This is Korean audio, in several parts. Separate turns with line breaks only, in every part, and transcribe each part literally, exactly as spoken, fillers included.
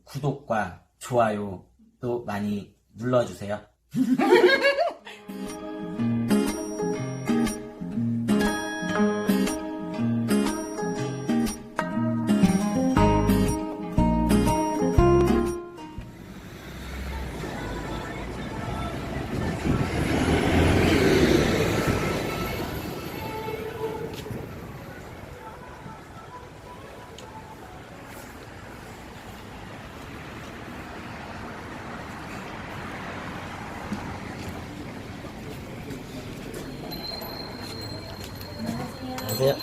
구독과 좋아요도 많이 눌러주세요. 안녕하세요.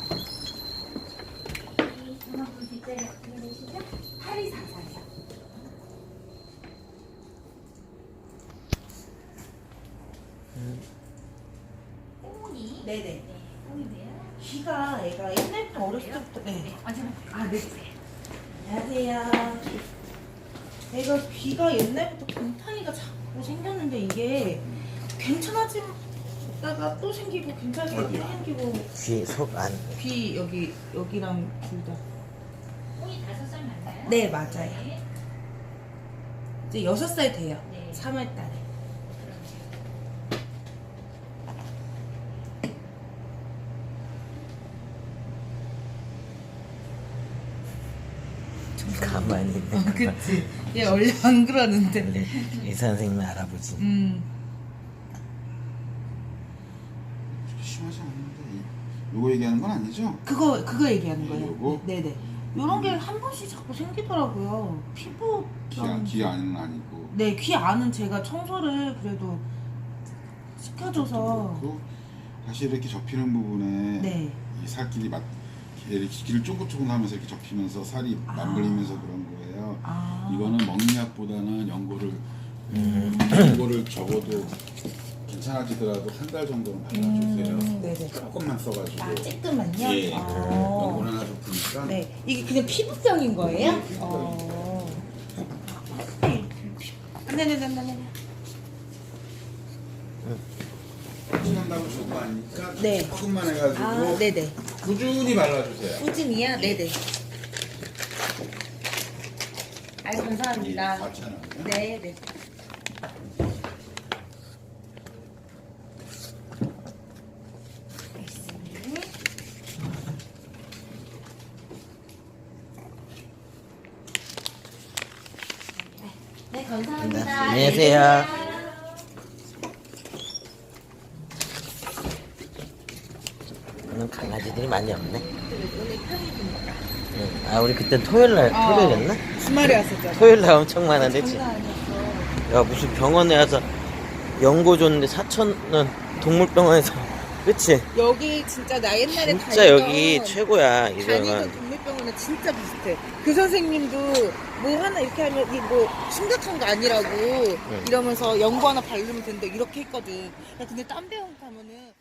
전화번호 뒷자리 어떻게 되시죠? 팔이사사요. 꽁이?
네네.
네, 꽁인데요.
귀가 애가 옛날부터 어렸을 때부터 네.
네, 언제나
아, 네. 안녕하세요. 애가 귀가 옛날부터 곰팡이가 자꾸 생겼는데 이게 괜찮아지다가 또 생기고 괜찮아지다가 또 생기고
귀, 속, 안.
귀 여기 여기랑 둘 다.
꽁이 다섯 살 맞나요?
네, 맞아요.
네.
이제 여섯 살 돼요.
네.
삼월 달에.
가만히 있는
어,
거.
그치. 얘 원래 안 그러는데.
원래 의사 선생님 알아보지.
음.
심하지 않은데 이- 요거 얘기하는 건 아니죠?
그거 그거 얘기하는 거예요.
요거?
네네. 요런 게 한 번씩 자꾸 생기더라고요. 피부
귀, 안- 귀 안은 아니고
네, 귀 안은 제가 청소를 그래도 시켜줘서
그렇고 사실 이렇게 접히는 부분에
네.
이 살길이 맞 이렇게 귀를 쫑긋쫑긋하면서 이렇게 접히면서 살이
아.
맞물리면서 그런 거예요.
아.
이거는 먹약보다는 연고를
음.
연고를 적어도 괜찮아지더라도 한 달 정도는 발라주세요.
음, 네네.
조금만 써가지고.
아, 조금만요?
예.
아.
연고는 하나 좁으니까.
네. 이게 그냥 피부병인 거예요?
네, 피부병.
어. 네네네네네.
친한다고 좋은 거 아니니까
네.
조금만 해가지고
아, 네네.
꾸준히 발라주세요.
꾸준히야? 네네. 아유,
예,
감사합니다.
맞잖아요.
네네.
네, 감사합니다.
안녕하세요. 오늘 강아지들이 많이 없네.
오늘 평일이니까.
응. 아, 우리 그때 토요일날,
어.
토요일이었나?
주말에 왔었잖아.
토요일날 엄청 많았는데.
장난 아니었어.
야, 무슨 병원에 와서 연고 줬는데 사천원 동물병원에서. 그치?
여기 진짜 나 옛날에
진짜 여기 최고야, 이
다니던
병원.
동물병원은 진짜 비슷해. 그 선생님도 뭐 하나 이렇게 하면 이 뭐 심각한 거 아니라고 이러면서 연고 하나 바르면 된다 이렇게 했거든. 야, 근데 딴 병원 가면은